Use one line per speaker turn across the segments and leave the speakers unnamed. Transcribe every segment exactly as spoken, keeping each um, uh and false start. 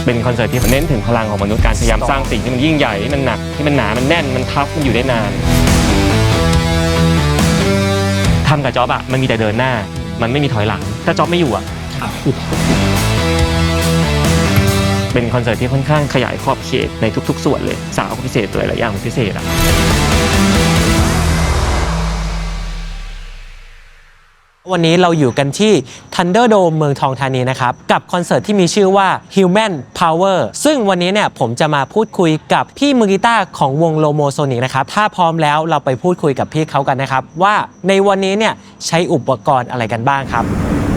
เป็นคอนเสิร์ตที่เน้นถึงพลังของมนุษย์การพยายามสร้างสิ่งที่มันยิ่งใหญ่ที่มันหนักที่มันหนามันแน่นมันทัฟมันอยู่ได้นานทำกับจ๊อบอะมันมีแต่เดินหน้ามันไม่มีถอยหลังถ้าจ๊อบไม่อยู่อะเป็นคอนเสิร์ตที่ค่อนข้างขยายขอบเขตในทุกๆส่วนเลยสาวพิเศษตัวหลายอย่างพิเศษอะ
วันนี้เราอยู่กันที่ Thunderdome เมืองทองธานีนะครับกับคอนเสิร์ตที่มีชื่อว่า Human Power ซึ่งวันนี้เนี่ยผมจะมาพูดคุยกับพี่มือกีตาร์ของวง Lomosonic นะครับถ้าพร้อมแล้วเราไปพูดคุยกับพี่เขากันนะครับว่าในวันนี้เนี่ยใช้อุปกรณ์อะไรกันบ้างครับ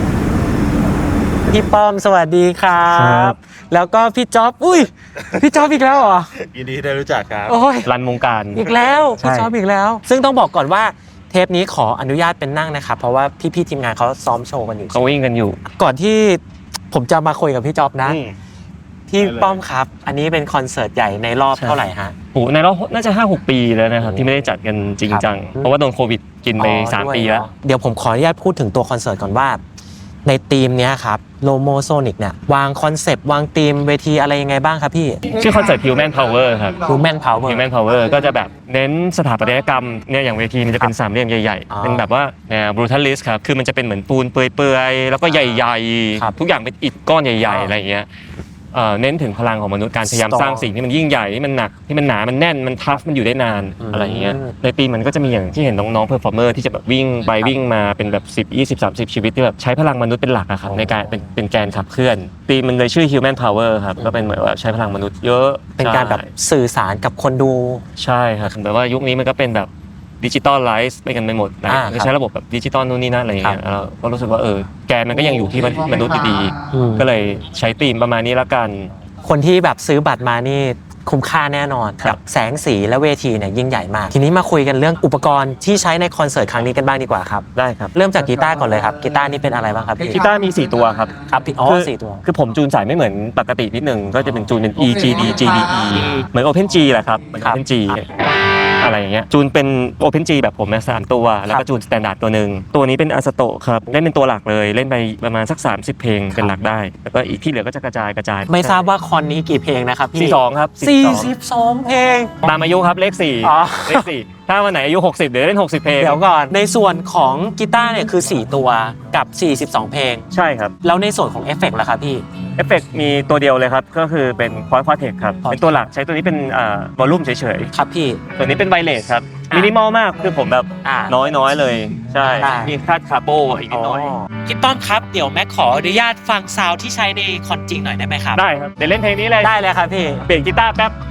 พี่ป้อมสวัสดีครับแล้วก็พี่จ๊อบอุ้ยพี่จ๊อบอีกแล้วเหรอ
ยินดีได้รู้จักครับ
โอ้ย
รันวงการ
อีกแล้วพี่จ๊อบอีกแล้วซึ่งต้องบอกก่อนว่าเทปนี้ขออนุญาตเป็นนั่งนะครับเพราะว่าพี่ๆทีมงานเขาซ้อมโชว์กันอยู่
เขาวิ่งกันอยู่
ก่อนที่ผมจะมาคุยกับพี่จ๊อบนะพี่ป้อมครับอันนี้เป็นคอนเสิร์ตใหญ่ในรอบเท่าไหร่ฮะ
โอ้ในรอบน่าจะ ห้าหก ปีแล้วนะครับที่ไม่ได้จัดกันจริงจังเพราะว่าโดนโควิดกินไปสามปีแล้ว
เดี๋ยวผมขออนุญาตพูดถึงตัวคอนเสิร์ตก่อนว่าในธีมเนี้ยครับ Lomosonic เนี่ยวางคอนเซปต์วางธีมเวทีอะไรยังไงบ้างครับพี่
ชื่อคอนเสิร์ต Human Power ครับ
Human Power
Human Power ก็จะแบบเน้นสถาปัตยกรรมเนี่ยอย่างเวทีมันจะเป็นสามเหลี่ยมใหญ่ๆเป็นแบบว่าแนว brutalist ครับคือมันจะเป็นเหมือนปูนเปื่อยๆแล้วก็ใหญ่ๆทุกอย่างเป็นอิฐก้อนใหญ่ๆอะไรอย่างเงี้ยเน้นถึงพลังของมนุษย์การพยายามสร้างสิ่งที่มันยิ่งใหญ่ที่มันหนักที่มันหนามันแน่นมันทัฟมันอยู่ได้นานอะไรอย่างเงี้ยในปีมันก็จะมีอย่างที่เห็นน้องๆเพอร์ฟอร์เมอร์ที่จะแบบวิ่งไปวิ่งมาเป็นแบบสิบ ยี่สิบ สามสิบชีวิตที่แบบใช้พลังมนุษย์เป็นหลักอะครับในการเป็นเป็นแกนขับเคลื่อนปีมันเลยชื่อ Human Power ครับก็เป็นเหมือนว่าใช้พลังมนุษย์เยอะ
เป็นการแบบสื่อสารกับคนดู
ใช่ครับแบบว่ายุคนี้มันก็เป็นแบบดิจิตอลไลซ์ไปกันไปหมดนะใช้ระบบแบบดิจิตอลนู่นนี่นั่นอะไรอย่างเงี้ยเราก็รู้สึกว่าเออแกนมันก็ยังอยู่ที่มนุษย์ดีๆก็เลยใช้ธีมประมาณนี้ละกัน
คนที่แบบซื้อบัตรมานี่คุ้มค่าแน่นอนกับแสงสีและเวทีเนี่ยยิ่งใหญ่มากทีนี้มาคุยกันเรื่องอุปกรณ์ที่ใช้ในคอนเสิร์ตครั้งนี้กันบ้างดีกว่าครับ
ได้ครับ
เริ่มจากกีตาร์ก่อนเลยครับกีตาร์นี่เป็นอะไรบ้างครับพี่
กีตาร์มีสี่ตัวครับ
ครับอ๋อสี่ตัว
คือผมจูนสายไม่เหมือนปกตินิดนึงก็จะเป็นจูนเป็น E G D G D E เหมือน Open G แหละครับเหมือน Open Gอะไรอย่างเงี้ยจูนเป็น Open G แบบผมนะสามตัวแล้วก็จูนสแตนดาร์ดตัวนึงตัวนี้เป็นอาสโตะครับเล่นเป็นตัวหลักเลยเล่นไปประมาณสักสามสิบเพลงเป็นหลักได้แล้วก็อีกที่เหลือก็จะกระจายกระจาย
ไม่ทราบว่าคอนนี้กี่เพลงนะครับพี่
สี่สิบสองครับ
สี่สิบสองเพลง
ตามอายุครับเลขสี่เลขสี่ถ้าวันไหนอายุหกสิบเดี๋ยวเล่นหกสิบเพลง
เดี๋ยวก่อนในส่วนของกีตาร์เนี่ยคือสี่ตัวกับสี่สิบสองเพลง
ใช่ครับ
แล้วในส่วนของเอฟเฟกต์ล่ะครับพี่
เอฟเฟกต์มีตัวเดียวเลยครับก็คือเป็นควอดควอเทคครับเป็นตัวหลักใช้ตัวนี้เป็นอ่าวอลลุ่มเฉย
ๆครับพี่
ตัวนี้เป็นไวเลสครับมินิมอลมากคือผมแบบน้อยๆเลยใช่มีคาดคาร์โบอีกนิดหน่อย
พี่ป้อมครับเดี๋ยวแม็กขออนุญาตฟังซาวด์ที่ใช้ในคอนจริงหน่อยได้ไหมครับ
ได้ครับเดี๋ยวเล่นเพลงนี้เลย
ได้เลยครับพี่
เปลี่ยนกีตาร์แป๊บ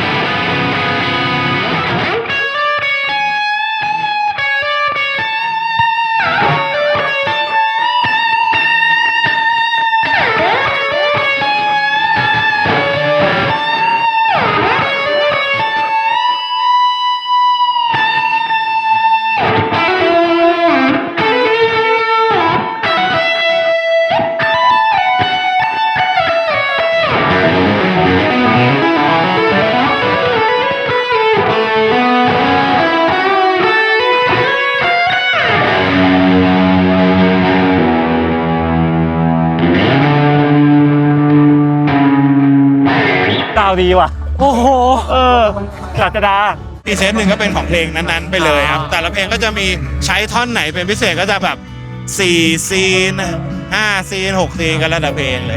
ดีว่ะ
โอ้โห
เออศาสตรา
อีกเซตหนึ่งก็เป็นของเพลงนั้นๆไปเลยครับแต่ละเพลงก็จะมีใช้ท่อนไหนเป็นพิเศษก็จะแบบสี่ซีนห้าซีนหกซีนกันแล้วแต่เพลงเลย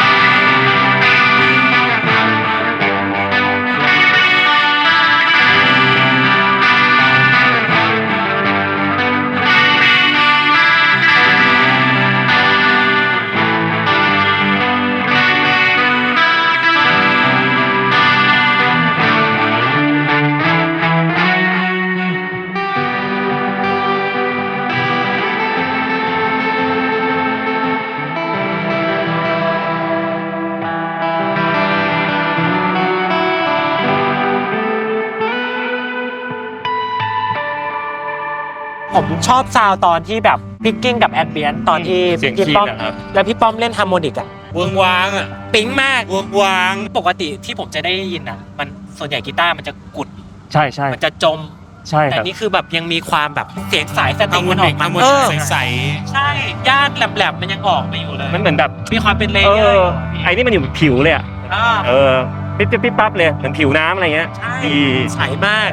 ผมชอบซาวตอนที่แบบพิกกิ้งกับแอดเบียนตอนที่
พี่
ป้อมแล้วพี่ป้อมเล่นฮาร์โมนิกอะ
วงวางอะ
ปิ๊งมาก
วงวาง
ปกติที่ผมจะได้ยินอะมันส่วนใหญ่กีตาร์มันจะกุด
ใช่ใช่
มันจะจม
ใช่
แต่นี่คือแบบยังมีความแบบเสียงสายสตริงมันออกมา
เออใส
ใช่ย่านแหลมๆมันยังออกมาอยู่เลย
มันเหมือนแบบ
มีความเป็นเลเยอร์
ไอ้นี่มันอยู่ผิวเลยอะเออปิ๊บปิ๊บปิ๊บปั๊บเลยเหมือนผิวน้ำอะไรเงี้ย
ใช่
ดี
ใสมาก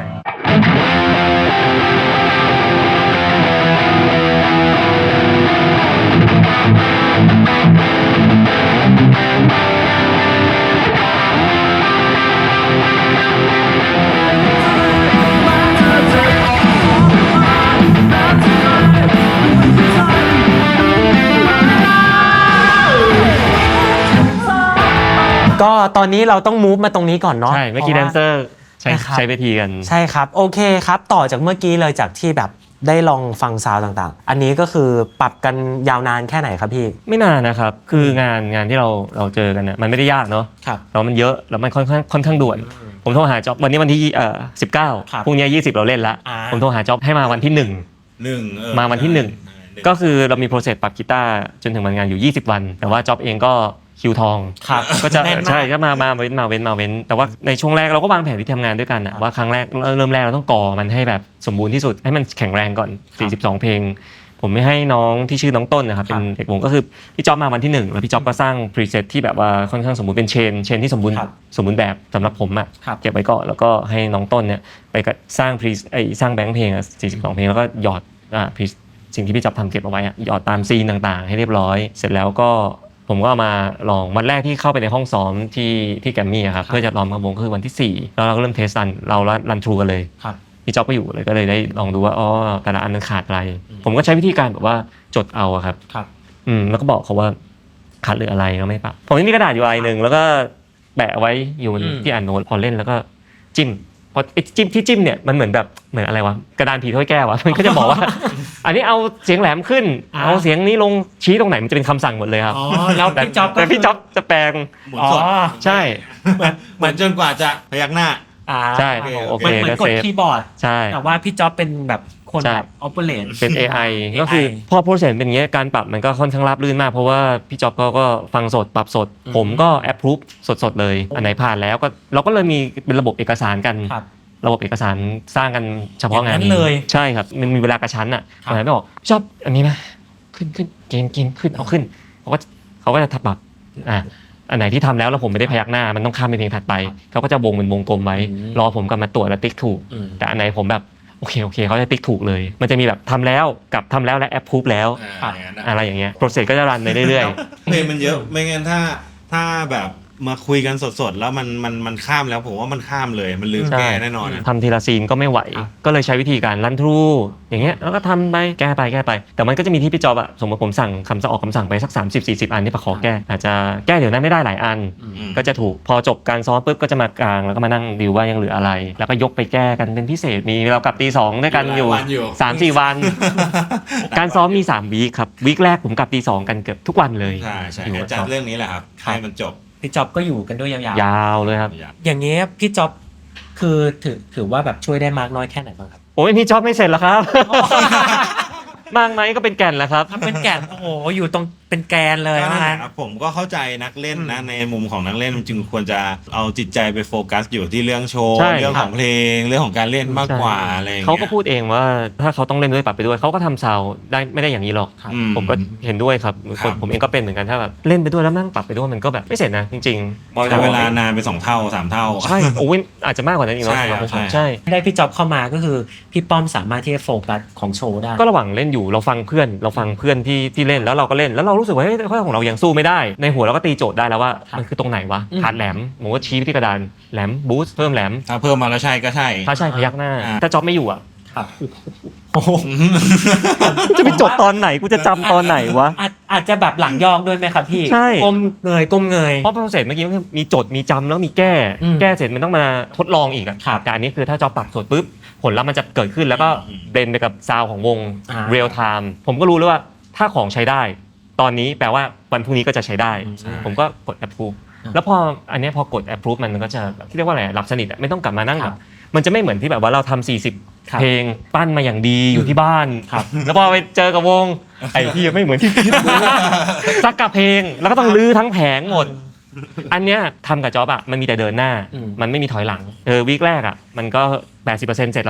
ก็ตอนนี้เราต้องมูฟมาตรงนี้ก่อนเนาะ
ใช่เมื่อกี้แดนเซอร์ใช้
นะครับ
ใช้เวทีกัน
ใช่ครับโอเคครับต่อจากเมื่อกี้เลยจากที่แบบได้ลองฟังซาวด์ต่างๆ อันนี้ก็คือปรับกันยาวนานแค่ไหนครับพี่
ไม่นานนะครับ คืองานงานที่เราเราเจอกันเนี่ยมันไม่ได้ยากเนาะ
ครับ
แล้วมันเยอะแล้วมันค่อนข้างค่อนข้างด่วน ผมโทรหาจ็อบวันนี้วันที่เอ่อสิบเก้า
ครับ
พรุ่งนี้ยี่สิบเราเล่นละ
อ่า
ผมโทรหาจ็อบให้มาวันที่หนึ่ง
หนึ่งเออ
มาวันที่หนึ่ง ก็คือเรามีโปรเซสปรับกีตาร์จนถึงวันงานอยู่ยี่สิบวัน แต่ว่าจ็อบเองก็คิวทอง
ครับ
ก็จะ
แน่นมาก
ใช่ก็มามาเว้นมาเว้นมาเว้น แต่ว่าในช่วงแรกเราก็วางแผนที่ทำงานด้วยกันอะว่าครั้งแรกเริ่มแรกเราต้องก่อมันให้แบบสมบูรณ์ที่สุดให้มันแข็งแรงก่อนสี่สิบสองเพลง ผมไม่ให้น้องที่ชื่อน้องต้นนะครับเป็นเด็กวงก็คือพี่จ๊อบมาวันที่หนึ่งแล้วพี่จ๊อบก็สร้างพรีเซตที่แบบว่าค่อนข้างสมบูรณ์เป็นเชนเชนที่สมบูรณ์
ครับ
สมบูรณ์แบบสำหรับผมอะ
ครับ
เก็บไว้ก่อนแล้วก็ให้น้องต้นเนี่ยไปสร้างพรีไอสร้างแบงค์เพลงอะสี่สิบสองเพลงแล้วก็หยอดอ่าพรีสิ่งที่พี่จ๊อบทำเก็บเอาไว้อะหยอดตามซีนต่างๆ ให้เรียบร้อย เสร็จแล้วก็ผมก็เอามาลองวันแรกที่เข้าไปในห้องซ้อมที่ที่แกรมมี่อะครับเพื่อจะลองกับวงก็คือวันที่สี่แล้วเราก็เริ่มเทสรันเรารันทรูกันเลย
ครับ
พี่จ๊อบก็อยู่เลยก็เลยได้ลองดูว่าอ๋อแต่ละอันมันขาดอะไร ผมก็ใช้วิธีการแบบว่าจดเอาอะครับ
ครับ
อืมแล้วก็บอกเขาว่าขาดเหลืออะไรก็ไม่ปรับผมยังมีกระดาษอยู่ใบหนึ่งแล้วก็แปะไว้อยู่บน
อืม
ที่อ่านโน้ตพอเล่นแล้วก็จิ้มพอไอ้จิ้มที่จิ้มเนี่ยมันเหมือนแบบเหมือนอะไรวะกระดานผีถ้วยแก้ววะมันก็จะบอกว่า อันนี้เอาเสียงแหลมขึ้น เอาเสียงนี้ลงชี้ตรงไหนมันจะเป็นคำสั่งหมดเลยครับ
อ๋อแล้ว
แต่
พี่จ๊อบก็
แต่พี่จ๊อบจะแปลง
หมุน
อ๋อ
สด
ใช่
เหมือนจนกว่าจะพยักหน้า
อ่า
ใช่
โอ
โอ
เค
เค
มันเหมือน
ก็
กด
เซฟ
คีย์บอร์ด
ใช่
แต่ว่าพี่จ๊อบเป็นแบบคน
ใช่
แบบออปเปอเรต
เป็น เอ ไอ ก็คือพอโปรเซสเป็นอย่างเงี้ยการปรับมันก็ค่อนข้างราบรื่นมาก เพราะว่าพี่จ๊อบเขาก็ฟังสดปรับสด
อืม
ผมก็แอปพรูฟสดๆเลย อันไหนผ่านแล้วก็เราก็เลยมีเป็นระบบเอกสารกัน
ครับ
ระบบเอกสารสร้างกันเฉพาะงาน
อย่างนั้นเลย
ใช่ครับมันมีเวลากระชั้นอ่ะ
ครับ
วันไหนไม่บอกชอบอันนี้นะขึ้นขึ้นเกณฑ์เกณฑ์ขึ้นเอาขึ้นเขาก็เขาก็จะทับปรับอ่ะอันไหนที่ทำแล้วแล้วผมไม่ได้พยักหน้ามันต้องข้ามไปเพลงถัดไปเขาก็จะวงเป็นวงกลมไว้
อืม
รอผมกลับมาตรวจแล้วติ๊กถูก
อืม
แต่อันไหนผมแบบโอเคโอเคเขาจะติ๊กถูกเลย มันจะมีแบบทำแล้วกับทำแล้วและแอปพูฟแล้ว
อ่าอย่างนั้นอะ
อะไรอย่างเงี้ยโปรเซสก็จะรันไปเรื่อย
เพลงมันเยอะไม่งั้นถ้าถ้าแบบมาคุยกันสดๆแล้วมันมันมันข้ามแล้วผมว่ามันข้ามเลยมันลืม
ใช่
แก้แน่นอนอะ
ๆทำทีละซีนก็ไม่ไหว
ครับ
ก็เลยใช้วิธีการรันทรูอย่างเงี้ยแล้วก็ทำไปแก้ไปแก้ไป แต่มันก็จะมีที่พี่จอบอะสมมติผมสั่งคำสั่งออกคำสั่งไปสัก สามสิบสี่สิบ อันที่ปะขอแก้อาจจะแก้เดี๋ยวนั้นไม่ได้หลายอัน
อืม
ก็จะถูกพอจบการซ้อมปุ๊บก็จะมากลางแล้วก็มานั่งดิวว่ายังเหลืออะไร แล้วก็ยกไปแก้กันเป็นพิเศษมีเรากลับตีสองด้วยกันอยู่
หลายวันอยู่
สามสี่วัน การซ้อมมีสามวีคครับวีคแรกผมกลับตีสองกันเกือบทุกวันเลย
ใช่ใช่
อยู่
เดี๋ยวจัดเรื่องนี้แหละครับ
ครับ
ให้มันจบ
พี่จ๊อบก็อยู่กันด้วยยาว
ยาวเลยครับ
ๆ อย่างเงี้ยพี่จ๊อบคือถือถือว่าแบบช่วยได้มากน้อยแค่ไหนบ้างครับ
โอ้ยพี่จ็อบไม่เสร็จแล้วครับ มากไหมก็เป็นแก่นแล้วครับ
ทำเป็นแก่นโอ้โหอยู่ตรงเป็นแกนเลย
ก็นั่นแห
นะ
ละครับผมก็เข้าใจนักเล่นนะในมุมของนักเล่นมันจึงควรจะเอาจิตใจไปโฟกัสอยู่ที่เรื่องโชว์
ใช่
เรื่องของเพลงเรื่องของการเล่นมากกว่าอะไรอย่าง
เขา
เงี้ย
ก็พูดเองว่าถ้าเขาต้องเล่นด้วยปรับไปด้วยเขาก็ทำซาวด์ได้ไม่ได้อย่างนี้หรอก
ครับ
อื
ผมก็เห็นด้วยครับ
ครับ
ผมเองก็เป็นเหมือนกันถ้าแบบเล่นไปด้วยแล้วนั่งปรับไปด้วยมันก็แบบไม่เสร็จนะจริงๆ
ใช้เวลานานไปสองเท่าสามเท่า
ใช่โอ้ยอาจจะมากกว่านั้นอีกเนาะ
ใช่
สำหรับ
ครับ
ผม
ใช่
ใช่
ได้พี่จ๊อบเข้ามาก็คือพี่ป้อมสามารถที่จะโฟกัสของโชว์ได้
ก็ระหว่างเล่นอยู่เราฟังเพื่อนเราฟังเพื่อนที่ที่เล่นแล้วเราก็เล่นแล้วเรารู้สึกว่าเฮ้ยข้อของเรายังสู้ไม่ได้ในหัวเราก็ตีโจทย์ได้แล้วว่า
ครับ
มันคือตรงไหนวะ
อืม
ขาดแหลมผมก็ชี้ไปที่กระดานแหลมบูสต์เพิ่มแหลม
ถ้าเพิ่มมาแล้วใช่ก็ใช่
ถ้าใช่พยักหน้า
อ่า
ถ้าจ็อบไม่อยู่อ่ะ
ครับโอ้โห
จะไปจดตอนไหนกูจะจำตอนไหนวะ
อาจอาจจะแบบหลังยอกด้วยไหมครับพี่
ใช่
ก้มเงยก้มเงย
เพราะโปรเซสเมื่อกี้มันมีจดมีจำแล้วมีแก้
อืม
แก้เสร็จมันต้องมาทดลองอีกอะ
ครับ
แต่อันนี้คือถ้าจอปรับสดปุ๊บผลลัพธ์มันจะเกิดขึ้นแล้วก็
อืม
เบนไปกับซาวของวง
อ่า
เรียลไทม์ผมก็รู้เลยว่าถ้าของใช้ได้ ตอนนี้แปลว่าวันพรุ่งนี้ก็จะใช้ได้
ใช่
ผมก็กด approve แล้วพออันเนี้ยพอกด approve มันก็จะแบบที่เรียกว่าอะไรหลับสนิทอะไม่ต้องกลับมานั่ง
ค
แบ
รับบ
มันจะไม่เหมือนที่แบบว่าเราทำสี่สิบ
ครับ
เพลงปั้นมาอย่างดีอยู่ที่บ้าน
ครับ
แล้วพอไปเจอกับวงไอ้ที่ไม่เหมือนที่คิดสักกับเพลงแล้วก็ต้องลื้อทั้งแผงหมด อันเนี้ยทำกับจ็อบอะมันมีแต่เดินหน้า
อืม
มันไม่มีถอยหลังเออวีคแรกอะมันก็ แปดสิบเปอร์เซ็นต์ เสร็จแล้วนะ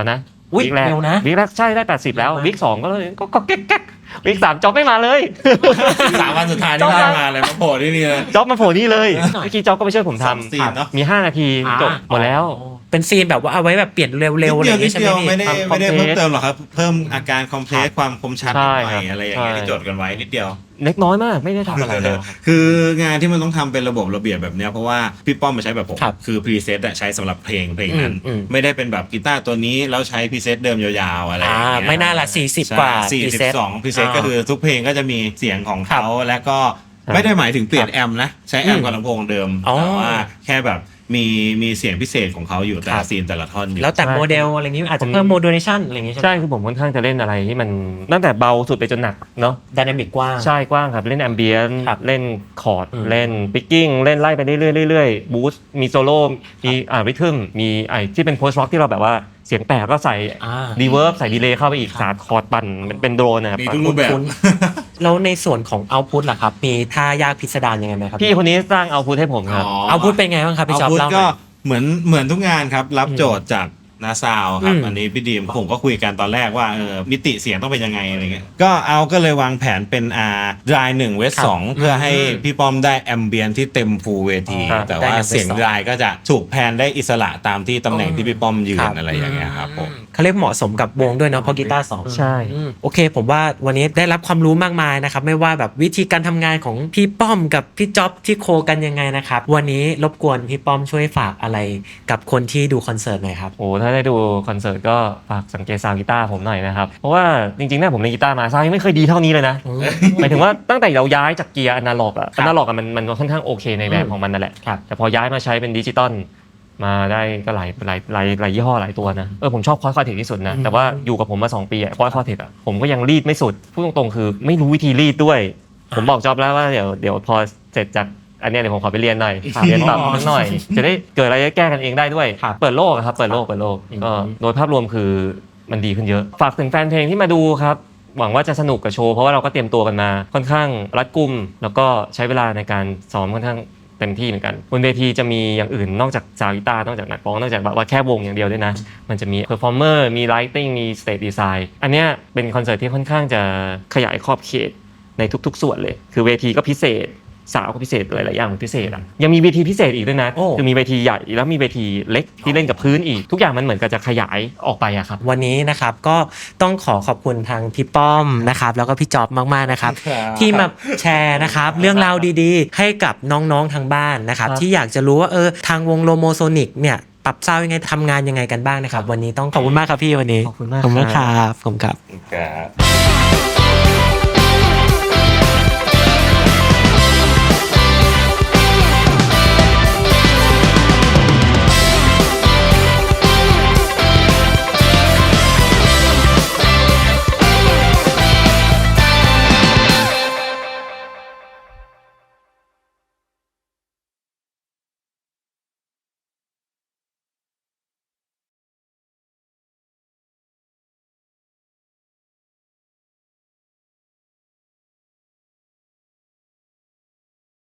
อุ๊ย
วิกแรก
เร็วนะ
วิกแรกใช่ได้แปดสิบแล้ววิกสองก็เลยก็ก็แก๊กแก๊กวิกสามจ็อบไม่มาเลย
สามวันสุดท้ายที่ได้มาเลยมาโผล่ที่นี่เลย
จ็อบมาโผล่นี่เลยเมื่อกี้จ็อบก็ไปช่วยผม
สอง
ทำ
ซีนเนอะ
มีห้านาทีจบหมดแล้ว
เป็นซีนแบบว่าเอาไว้แบบเปลี่ยนเร็วๆอะไรอย่าง
นิ
งี้
ด
ใช่
เดี
ไหม
ยวไม่
พี่
ได้
ทำ
ไม่ได้
compress
เพิ่มเติมหรอกครับ เพิ่มอาการคอมเพล
ค
ส
รับ
ความคมชัด
ใช่
หน่อย
ครับ
อะไรอย่างเงี้ย
ใช่
ที่จดกันไว้นิดเดียว
เล็กน้อยมากไม่ได้ทำอะไรเลย
คืองานที่มันต้องทำเป็นระบบระเบียบแบบเนี้ยเพราะว่าพี่ป้อมมาใช้แบบผม
ครับ
คือพรีเซตใช้สำหรับเพลงเพลงนั้น
อืมอืม
ไม่ได้เป็นแบบกีตาร์ตัวนี้แล้วใช้พรีเซตเดิมยาวๆอะไรอย่างเงี้ย
อ่าไม่น่าละสี่สิบ
ใช่
กว่า
สี่สิบสองพรีเซต
อ่า
ก็คือทุกเพลงก็จะมีเสียงของเขาแล้วก็ไม่ได้หมายถึงเปลี่ยนแอมป์นะใช้แอมป์กับลำโพงเดิม
อ๋อ
แต่ว่าแค่แบบมีมีเสียงพิเศษของเขาอยู่แต่
ครั
ละ
บ
ซีนแต่ละท่อนอยู่
แล้วแต่
ใช่
โมเดลอะไรอย่างงี้อาจจะเพิ่มโมดูเลชันอะไรอย่างงี้ใช่ไหม
ใช่คือผมค่อนข้างจะเล่นอะไรที่มันตั้งแต่เบาสุดไปจนหนักเนาะ
ไดนามิกกว้าง
ใช่กว้างครับเล่นแอมเบียน
ครับ
เล่นคอร์ด
อืม
เล่นปิกกิ้งเล่นไล่ไปเรื่อยๆเรื่อยๆบูสต์มีโซโล่มีอ่าริทึมมีไอ้ที่เป็นโพสต์ร็อกที่เราแบบว่าเสียงแตกก็ใส่
อ่า
รีเวิร์บใส่ดีเลย์เข้าไปอีกสาดคอร์ดปั่นมันเป็นโดรนนะครับ
มีทุกรูปแบบ
คุ้น แล้วในส่วนของเอาพุทล่ะครับ มีท่ายากพิสดารยังไงไหมครับ
พี่คนนี้สร้างเอาพุทให้ผมครับ
เอาพุทเป็นไงบ้างครับพี่
เอา
จ๊อบ
พุท
เล่าห
ก็
น่อย
เหมือนเหมือนทุกงานครับ รับโจทย์จากนาซาวครับ
อืม
อันนี้พี่ดีมผมก็คุยกันตอนแรกว่าเออมิติเสียงต้องเป็นยังไงอะไรเงี้ยก็เอาก็เลยวางแผนเป็นอ่าดรายหนึ่งเวสสองเพื่อให้พี่ป้อมได้แอมเบียนที่เต็มฟูลเวที
ครับ
แต่ว่า
ได้
เสียง
West สอง
ดรายก็จะถูกแพนได้อิสระตามที่ตำแหน่งที่พี่ป้อมยื
คน รับ
อะไรอย่างเงี้ยครับผม
เขาเรียกเหมาะสมกับวงด้วยเนาะเพราะกีตาร์สอง
ใช่
อืมโอเค ผมว่าวันนี้ได้รับความรู้มากมายนะครับไม่ว่าแบบวิธีการทำงานของพี่ป้อมกับพี่จ๊อบที่โคกันยังไงนะครับวันนี้รบกวนพี่ป้อมช่วยฝากอะไรกับคนที่ดูคอนเสิร์ตหน่อยครับ
โอ้ถ้าได้ดูคอนเสิร์ตก็ฝากสังเกตซาวด์กีตาร์ผมหน่อยนะครับ เพราะว่าจริงๆเนี่ยผมเล่นกีตาร์มาซาวด์ยังไม่เคยดีเท่านี้เลยนะ หมายถึงว่าตั้งแต่เราย้ายจากเกียร์อนาล็อกอะ
ครั
อบ นาล็อกอะมันมันค่อนข้างโอเคในแบบ
อืม
ของมันนั่นแหละ
ครับ
แต่พอย้ายมาใช้เป็นดิจิตอลมาได้ก็หลายหลายหลายหลายยี่ห้อหลายตัวนะเออผมชอบคอร์สคอร์เทคที่สุดนะแต่ว่าอยู่กับผมมาสองปีอะคอร์สคอร์เทคอะผมก็ยังรีดไม่สุดพูดตรงๆคือไม่รู้วิธีรีดด้วย ผมบอกจอบแล้วว่าเดี๋ยวเดี๋ยวพอเสร็จจากอันเนี้ยเดี๋ยวผมขอไปเรียนหน่อย
ครับ
เรียนปรับนิดหน่อย จะได้เกิดอะไรแก้กันเองได้ด้วย
ครับ
เปิดโลกอะครับเปิดโลกเปิดโลก
อืม
ก็โดยภาพรวมคือมันดีขึ้นเยอะ ฝากถึงแฟนเพลงที่มาดูครับ หวังว่าจะสนุกกับโชว์เพราะว่าเราก็เตรียมตัวกันมาค่อนข้างรัดกุม แล้วก็ใช้เวลาในการซ้อมค่อนข้างเต็มที่เหมือนกันบนเวทีจะมีอย่างอื่นนอกจากซาวด์กีตาร์นอกจากนักร้องนอกจากแบบว่าแค่วงอย่างเดียวด้วยนะ มันจะมีเพอร์ฟอร์เมอร์มีไลติ้งมีสเตจดีไซน์อันเนี้ยเป็นคอนเสิร์ตที่ค่อนข้างจะขยายขอบเขตในทุกๆ ส่วนเลย คือเวทีก็พิเศษสาวก็พิเศษหลายๆอย่างพิเศษอ่ะยังมีเวทีพิเศษอีกด้วยนะ
โอ้
คือมีเวทีใหญ่แล้วมีเวทีเล็กที่เล่นกับพื้นอีกทุกอย่างมันเหมือนกับจะขยายออกไปอะครับ
วันนี้นะครับก็ต้องขอขอบคุณทางพี่ป้อมนะครับแล้วก็พี่จ๊อบมากๆนะครับ
ครับ
ที่มาแชร์นะครับเรื่องราวดีๆ ให้กับน้องๆทางบ้านนะครับ
ครับ
ที่อยากจะรู้ว่าเออทางวงโลโมโซนิกเนี่ยปรับซาวด์ยังไงทำงานยังไงกันบ้างนะครับวันนี้ต้องขอบคุณมากครับพี่วันนี้
ขอบคุณมาก
ขอบคุณ
ครับ
ครับขอบคุณครับ
ครับ